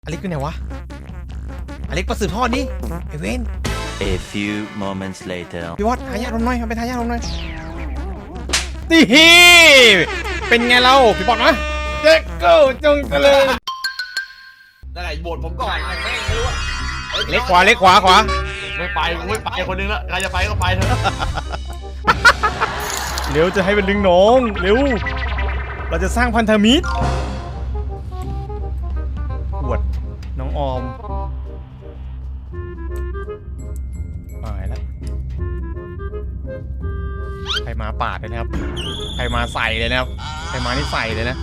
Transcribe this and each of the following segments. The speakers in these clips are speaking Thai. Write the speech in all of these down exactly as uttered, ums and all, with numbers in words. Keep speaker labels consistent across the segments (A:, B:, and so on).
A: อเล็กอยู่ไหนวะอเล็กประสืบทอดนี่ไอเวน
B: A few moments later
A: พี่วัดหายาลมหน่อยเป็นหายาลมหน่อยนี่เป็นไงเราพี่บอลนะเจ๊เก้าจงเจริญ
C: นั่นแหละโบดผมก่อนไม่ไม่รู้ว่า
A: เล็กขวาเล็กขวาขวา
C: ไม่ไปไม่ไปคนนึงละใครจะไปก็ไปเถอะ
A: เร็วจะให้เป็นดึงน้องเร็วเราจะสร้างพันธมิตรปวดน้องออมหายแล้วใครมาปาดเลยนะครับใครมาใส่เลยนะครับใครมานี่ใส่เลยนะ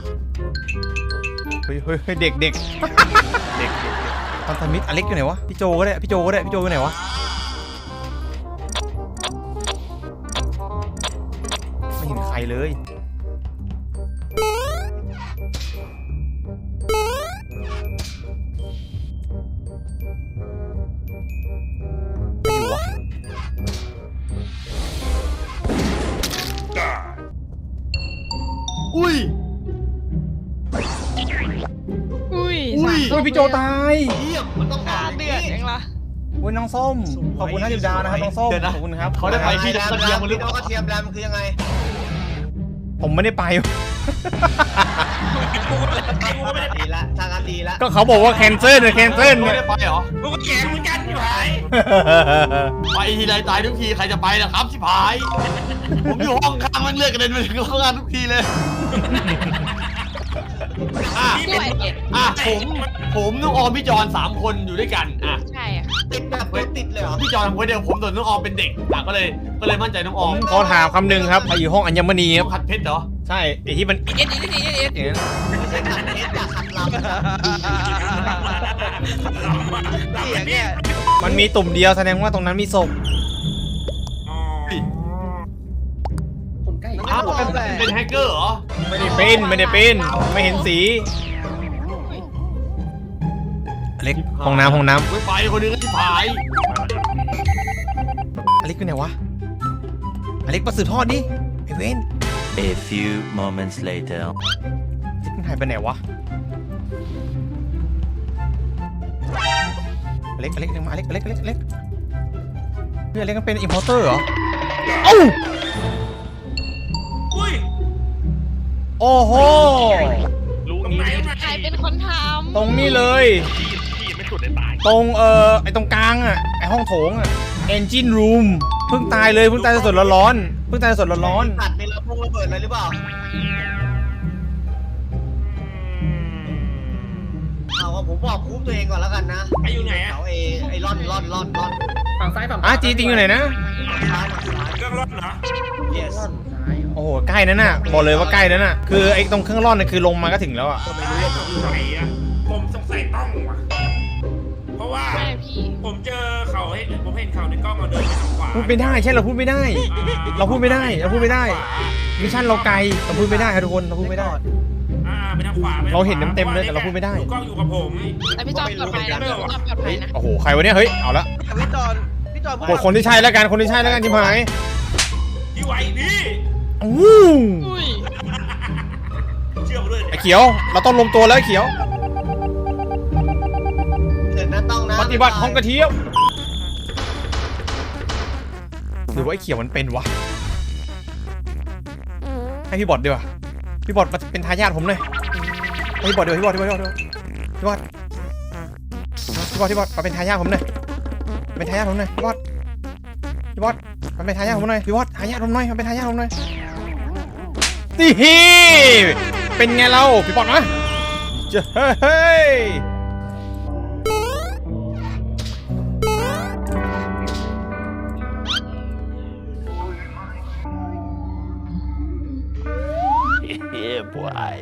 A: เฮ้ยเฮ้ยเด็กเด็กเด็กเด็กพันธมิตรอเล็กอยู่ไหนวะพี่โจก็ได้พี่โจก็ได้พี่โจอยู่ไหนวะไม่เห็นใครเลยไม่อยู่วะ
C: อุ้ย
D: อุ้ย
A: อุ้ยอุ้ยพี่โจตาย
C: เยี่ยมมันต้อง
D: อ่าเดือดยังล่ะ
A: อุ้ยน้องส้มขอบคุณห้าสิบดาวนะครับน้องส้มขอบคุณครับ
C: เขาได้ไปที่กระเทียมมันหรือเปล่า
E: กระเทียมดำคือยังไง
A: ผมไม่ได้ไป
E: ดีละทางการดีละ
A: ก็เขาบอกว่าแคนเซิลเลยแคนเซิล
C: ไม่
A: เนี่ย
C: ได้ไปเหรอ
E: กูก็แข่งเหมือนกันพี่ไผ่
C: ไปทีไรตายทุกทีใครจะไปล่ะครับชิบหายผมอยู่ห้องข้างมันเลือกกระเด็นไปถึงห้องข้างทุกทีเลยอ่ะ
D: ด้วยเอ็ด
C: อ่ะผมผมน้องออมพี่จอนสามคนอยู่ด้วยกันอ่ะ
D: ใช่อ่ะ
E: ติดแบบตัวติดเลยเหรอ
C: พี่จอนทำคนเดียวผมส่วนน้องออมเป็นเด็กอ่ะก็เลยก็เลยมั่นใจน้องอ
A: ผ
C: อ
A: ม
C: ม
A: ขอถามคำหนึ่งครับใครอยู่ห้องอัญมณีค
C: ต้
A: รั
C: อบ งขัดเพชรเหรอ
A: ใช่ไอที่มัน
D: เอ็ดเอ็ดเอ็ดเอ็ดเอ็ด
A: อย่างนั้น
E: ไม่ใช่ขัดเอสอยากขัดลำเสียเนี่ย
A: มันมีตุ่มเดียวแสดงว่าตรงนั้นมีศพ
C: อ้าวเป็นเป็นแฮกเกอร์เหรอ
A: ไม่ได้เป็นไม่ได้เป็นไม่เห็นสีอเล็กห้องน้ำห้องน้
C: ไม่ไปคนนึงก็ชิบหาย
A: ำอเล็กอยู่ไหนวะอเล็กประสืบทอดนี่ไอเวน
B: A few moments later
A: อเล็กมันหายไปไหนวะอเล็กอเล็กมาอเล็กอเล็กอเล็กอเล็กเฮ้ยอเล็กมันเป็นอิมพอร์เตอร์เหรอเอ้าโอ้โห
D: ใครเป็นคนท
A: ตรงนี้เลยตรงเอ่อไอตรงกลางอ่ะไอห้องโถงอ่ะ engine room เพิ่งตายเลยเพิ่งตายสดๆร้อนๆเพิ่งตายสดๆร้อน
E: ขัดในระพุ่งระเบิดเลยหรือเปล่าเอาว่าผมบอกคุ้มตัวเองก่อนแล้วกันนะไออยู่ไหนเขาเอไอร่อนร่อนร่อนร่อน
F: ฝั่งซ้ายฝั่ง
A: ๆอ่ะจีจริงอยู่ไหนนะ
E: ซ้ายฝั่งซ้าย
F: เครื่องร่อนเหรอ
E: yes
A: โอ้โหใกล้นั่นน่ะบอกเลยว่าใกล้นั่นน่ะคือไอ้ตรงเครื่องร่อนน่ะคือลงมาก็ถึงแล้วอ่ะ
E: ก็ไม่รู้ว่าผมอยู่
F: ไหนอะผมสงสัยต้องว่ะเพราะว่า
D: ำใช่พี่
F: ผมเจอเขาเห็นผมเห็นเขาในกล้องเราเดินไปทางขวา
A: พูดไม่ได้ใช่เราพูดไม่ได้ เราพูดไม่ได้เราพูดไม่ได้มิชชั่นเราไกลเราพูดไม่ได้ครับทุกคนเราพูดไม่ได้
F: อ่าไปทางขวาไปทงขว
A: เราเห็นเต็มๆเลยแต่เราพูดไม่ได้
F: กล้องอยู่กับผม
D: แต่พี่จอมปลอดภัยนะพี่จอมปลอดภัยนะ
A: โอ้โหใครวะเนี่ยเฮ้ยเอาละ
E: พี่จอนพี่จอน
A: กดคนที่ใช่แล้วกันคนที่ใช่แล้วกันที่หมาย
F: พี่ไหวพี่
A: อู้
D: อุ้ย
F: เชื่อผมด้วย
A: ไอ้เขียวเราต้องลงตัวแล้วไอ้เขียว
E: เดินหน้าต้องนะ
A: ปฏิบัติของกระเทียมหรือว่าไอ้เขียวมันเป็นวะให้พี่บอดดีกว่าพี่บอดมาเป็นทายาทผมหน่อยให้พี่บอดดีกว่าพี่บอดพี่บอดพี่บอดพี่บอดพี่บอดพี่บอดมาเป็นทายาทผมหน่อยเป็นทายาทผมหน่อยพี่บอดพี่บอดมาเป็นทายาทผมหน่อยพี่บอดทายาทผมหน่อยมาเป็นทายาทผมหน่อยนี่เป็นไงเราพี่บอดนะเจ้าเฮ้ย
B: Yeah boy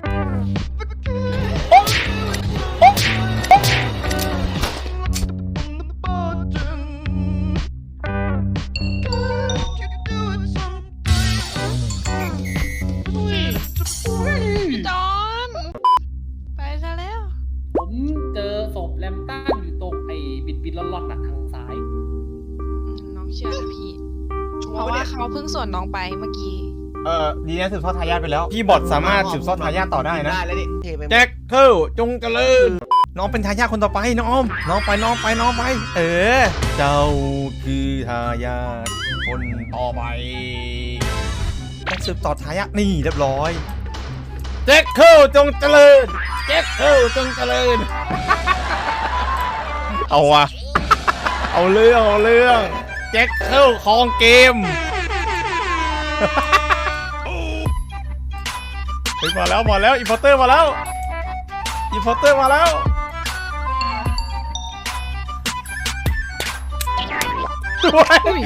D: พี่จอนไปซะแล้ว
G: ผมเจอศพแลมตันอยู่ตรงไอ้บิดบิดล่อนๆหนักทางซ้าย
D: อืมน้องเชื่อนะพี่ เพราะว่าเขาเพิ่งสวนน้องไปเมื่อกี้
A: เออดีนะสืบทอดทายาทไปแล้วพี่บอทสามารถสืบทอดทายาทต่อได้นะ
E: ได้แล้วดิเทไป
A: แจ็คเคิลจงเจริญน้องเป็นทายาทคนต่อไปน้องออมน้องไปน้องไปน้องไป เออ เจ้าคือทายาทคนต่อไปต้องสืบต่อทายาทนี่เรียบร้อยแจ็คเคิลจงเจริญแจ็คเคิลจงเจริญ เอาวะเอาเรื่องเอาเรื่องแจ็คเคิลครองเกม เฮ้ยมาแล้วมาแล้วอินพอร์เตอร์มาแล้วอินพอร์เตอร์มาแล้วด้วย
D: อุ้ย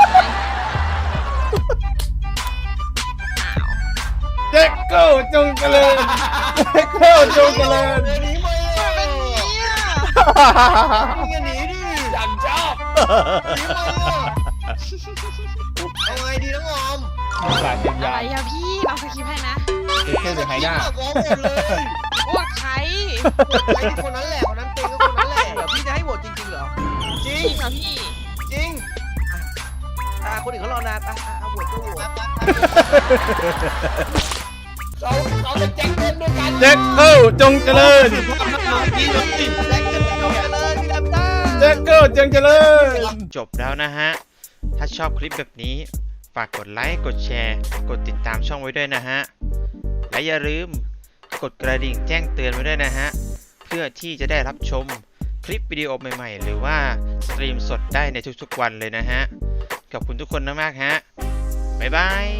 A: แจ็คเกิลจงเจริญแจ็คเกิลจงเจริญ
E: เดี๋ยวหนีไปเลย
D: เป็นเนี่ย
E: มึงอย่าหนีดิ
C: ฉันชอบ
E: หนีไปเลยเอาไงดีน้องออม
A: หลานเป็น
D: อะ
A: ยา
D: ไรอะพี่เราสคริปต์ให้นะ
A: แจ็คเกิลเป็นทายาท
E: ฟ้องหมดเลย
D: โอ้ใคร
E: ไอ้คนนั้นแหละคนนั้นเป็นก็คนนั้นแหละ
H: เหรอพี่จะให้โหวตจริงๆเหรอ
E: จริ
D: จ
E: ง
D: ริงเหรอพี่
E: จริง
H: อ่าคนอื่นเขารอนานอ่ะอ่ะโหวตก็โหวต
C: เขาเขาจะแจ็คเล่นด้วยกัน
A: แจ็คเกิลจงเจริญ
C: พี่เลย
H: แจ็คเก็ตจงเจริญพี่ดำต้า
A: แจ็คเกิลจงเจริญจบแล้วนะฮะถ้าชอบคลิปแบบนี้ฝากกดไลค์กดแชร์กดติดตามช่องไว้ด้วยนะฮะและอย่าลืมกดกระดิ่งแจ้งเตือนไว้ด้วยนะฮะเพื่อที่จะได้รับชมคลิปวิดีโอใหม่ๆหรือว่าสตรีมสดได้ในทุกๆวันเลยนะฮะขอบคุณทุกคนมากๆฮะบ๊ายบาย